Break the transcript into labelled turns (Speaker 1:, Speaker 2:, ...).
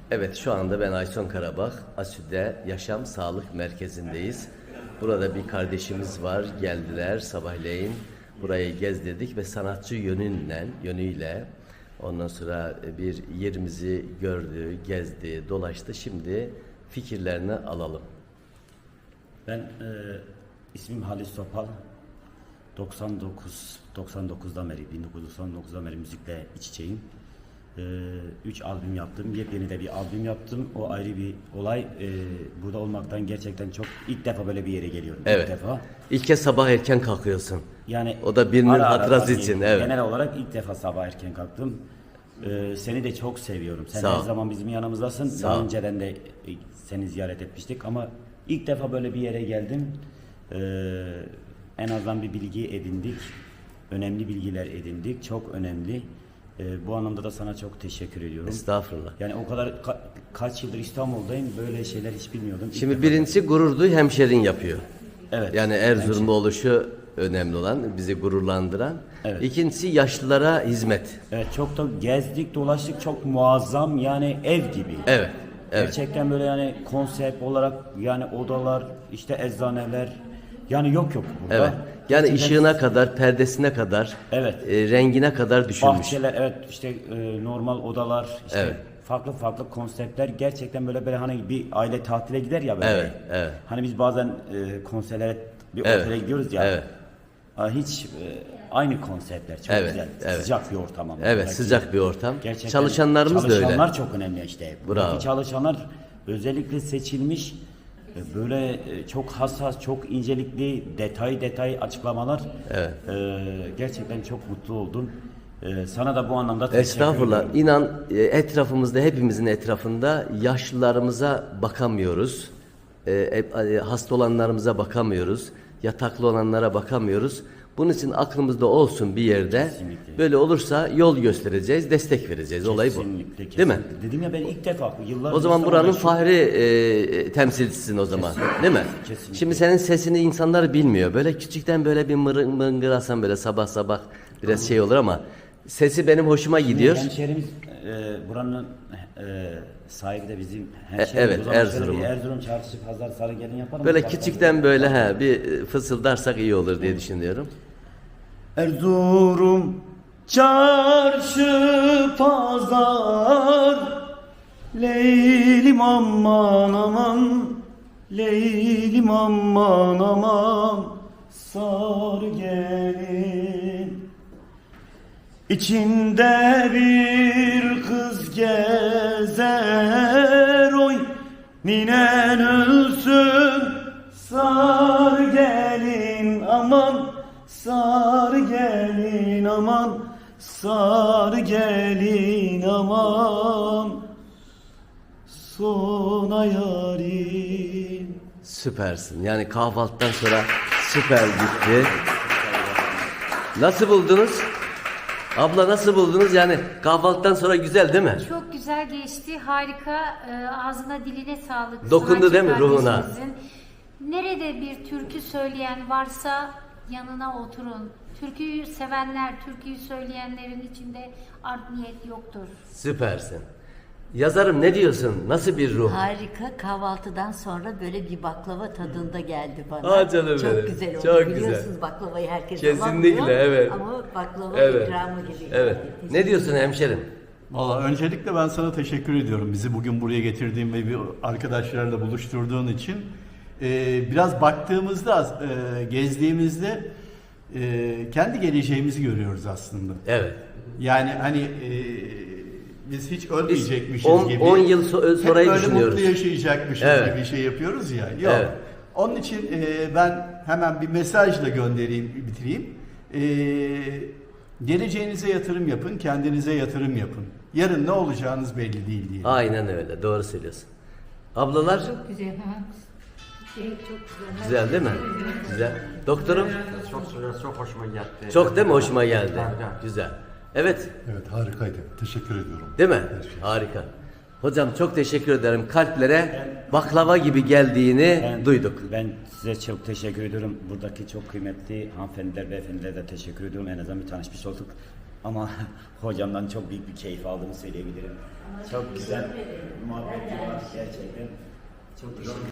Speaker 1: Evet, şu anda ben Ayson Karabak, ASÜ'de Yaşam Sağlık Merkezi'ndeyiz. Burada bir kardeşimiz var, geldiler sabahleyin. Burayı gezdirdik ve sanatçı yönüyle ondan sonra bir yerimizi gördü, gezdi, dolaştı. Şimdi fikirlerini alalım.
Speaker 2: Ben ismim Halis Topal. 99'dan beri, 1999'dan beri müzikle iç içeyim. 3 albüm yaptım. Yepyeni de bir albüm yaptım. O ayrı bir olay. Burada olmaktan gerçekten çok ilk defa böyle bir yere geliyorum.
Speaker 1: Evet.
Speaker 2: İlk defa.
Speaker 1: İlk kez sabah erken kalkıyorsun.
Speaker 2: Yani
Speaker 1: O da birinin hatırası
Speaker 2: tabii,
Speaker 1: için. Evet.
Speaker 2: genel olarak ilk defa sabah erken kalktım. Seni de çok seviyorum. Sen
Speaker 1: Sağ ol.
Speaker 2: her zaman bizim yanımızdasın.
Speaker 1: Sağ
Speaker 2: Daha
Speaker 1: ol.
Speaker 2: önceden de seni ziyaret etmiştik ama ilk defa böyle bir yere geldim. En azından bir bilgi edindik. Önemli bilgiler edindik. Çok önemli. Bu anlamda da sana çok teşekkür ediyorum.
Speaker 1: Estağfurullah.
Speaker 2: Yani o kadar kaç yıldır İstanbul'dayım. Böyle şeyler hiç bilmiyordum. İlk
Speaker 1: Şimdi
Speaker 2: defa-
Speaker 1: birincisi gurur duy, hemşerin yapıyor.
Speaker 2: Evet.
Speaker 1: Yani Erzurumlu oluşu önemli olan, bizi gururlandıran.
Speaker 2: Evet.
Speaker 1: İkincisi yaşlılara hizmet.
Speaker 2: Evet, çok da gezdik dolaştık, çok muazzam, yani ev gibi.
Speaker 1: Evet. Evet.
Speaker 2: Gerçekten böyle, yani konsept olarak, yani odalar, işte eczaneler, yani yok burada.
Speaker 1: Evet. Yani
Speaker 2: Gerçekten
Speaker 1: ışığına kadar, perdesine kadar,
Speaker 2: Evet.
Speaker 1: Rengine kadar düşünmüş.
Speaker 2: bahçeler, evet, işte normal odalar, işte
Speaker 1: Evet.
Speaker 2: farklı farklı konseptler, gerçekten böyle hani bir aile tatile gider ya böyle.
Speaker 1: Evet, evet.
Speaker 2: Hani biz bazen konserlere bir
Speaker 1: Evet,
Speaker 2: otele gidiyoruz ya.
Speaker 1: evet.
Speaker 2: Hiç aynı konseptler, çok
Speaker 1: Evet,
Speaker 2: güzel,
Speaker 1: evet.
Speaker 2: sıcak bir ortam ama.
Speaker 1: Evet,
Speaker 2: buradaki.
Speaker 1: sıcak bir ortam.
Speaker 2: Gerçekten
Speaker 1: Çalışanlarımız da öyle.
Speaker 2: Çalışanlar çok önemli işte. Buradaki
Speaker 1: Bravo.
Speaker 2: çalışanlar özellikle seçilmiş, böyle çok hassas, çok incelikli, detay açıklamalar.
Speaker 1: Evet.
Speaker 2: Gerçekten çok mutlu oldum. Sana da bu anlamda teşekkür
Speaker 1: Estağfurullah.
Speaker 2: ediyorum.
Speaker 1: İnan etrafımızda, hepimizin etrafında yaşlılarımıza bakamıyoruz. Hasta olanlarımıza bakamıyoruz. Yataklı olanlara bakamıyoruz. Bunun için aklımızda olsun bir yerde.
Speaker 2: Kesinlikle.
Speaker 1: Böyle olursa yol göstereceğiz, destek vereceğiz. Olay bu.
Speaker 2: Kesinlikle,
Speaker 1: Değil mi?
Speaker 2: kesinlikle. Dedim ya, ben ilk defa yıllar
Speaker 1: O zaman
Speaker 2: sonra
Speaker 1: buranın
Speaker 2: şu-
Speaker 1: fahri temsilcisisin o zaman. Değil mi?
Speaker 2: Kesinlikle.
Speaker 1: Şimdi senin sesini insanlar bilmiyor. Böyle küçükten böyle bir mırıngırasan böyle sabah sabah biraz şey olur ama sesi benim hoşuma gidiyor.
Speaker 2: Hemşehrimiz, buranın sahibi de bizim hemşehrimiz.
Speaker 1: Evet,
Speaker 2: O zaman şöyle
Speaker 1: Erzurumlu.
Speaker 2: bir Erzurum çarşı pazar Sarıgelin yapalım.
Speaker 1: Böyle
Speaker 2: Bak-
Speaker 1: küçükten böyle bir fısıldarsak iyi olur diye düşünüyorum.
Speaker 2: Erzurum çarşı pazar, Leylim aman aman, Leylim aman aman, sar gelin. İçinde bir kız gezer, oy ninen ölsün, sar gelin aman, sar gelin aman, sar gelin aman, sona yarim.
Speaker 1: Süpersin. Yani kahvaltıdan sonra süper gitti. Nasıl buldunuz? Abla nasıl buldunuz? Yani kahvaltıdan sonra güzel değil mi?
Speaker 3: Çok güzel geçti, harika. Ağzına diline sağlık.
Speaker 1: Dokundu
Speaker 3: sanatçı
Speaker 1: değil mi ruhuna?
Speaker 3: kardeşimizin. Nerede bir türkü söyleyen varsa yanına oturun. Türküyü sevenler, türküyü söyleyenlerin içinde art niyet yoktur.
Speaker 1: Süpersin. Yazarım ne diyorsun? Nasıl bir ruh?
Speaker 4: Harika, kahvaltıdan sonra böyle bir baklava tadında geldi bana.
Speaker 1: Aa, canım
Speaker 4: çok
Speaker 1: benim,
Speaker 4: güzel oldu.
Speaker 1: çok
Speaker 4: Biliyorsunuz
Speaker 1: güzel.
Speaker 4: baklavayı herkes
Speaker 1: Kesinlikle,
Speaker 4: alamıyor.
Speaker 1: evet.
Speaker 4: Ama baklava
Speaker 1: Evet.
Speaker 4: ikramı gibi.
Speaker 1: Evet.
Speaker 4: geldi.
Speaker 1: Ne diyorsun hemşerim?
Speaker 5: Valla öncelikle ben sana teşekkür ediyorum. Bizi bugün buraya getirdiğin ve bir arkadaşlarla buluşturduğun için. Biraz baktığımızda, gezdiğimizde kendi geleceğimizi görüyoruz aslında.
Speaker 1: Evet.
Speaker 5: Yani hani biz hiç ölmeyecekmişiz
Speaker 1: on-
Speaker 5: gibi.
Speaker 1: 10 yıl sonrayı
Speaker 5: hep böyle
Speaker 1: düşünüyoruz.
Speaker 5: mutlu yaşayacakmışız
Speaker 1: Evet.
Speaker 5: gibi şey yapıyoruz ya. Yok.
Speaker 1: Evet.
Speaker 5: Onun için ben hemen bir mesajla göndereyim, bitireyim. Geleceğinize yatırım yapın, kendinize yatırım yapın. Yarın ne olacağınız belli değil diye.
Speaker 1: Aynen öyle. Doğru söylüyorsun. Ablalar
Speaker 3: Çok güzel. Çok güzel.
Speaker 1: güzel değil mi? Güzel. Doktorum
Speaker 6: Çok güzel, çok hoşuma geldi.
Speaker 1: çok değil mi? Hoşuma geldi.
Speaker 6: Harika.
Speaker 1: Güzel. Evet.
Speaker 7: Evet, harikaydı. Teşekkür ediyorum.
Speaker 1: Değil mi? Harika. Hocam çok teşekkür ederim. Kalplere baklava gibi geldiğini duyduk.
Speaker 2: Ben size çok teşekkür ediyorum. Buradaki çok kıymetli hanımefendiler, beyefendiler de teşekkür ediyorum. En azından bir tanışmış olduk. Ama hocamdan çok büyük bir keyif aldığımı söyleyebilirim. Çok güzel muhabbet var gerçekten. Çok teşekkür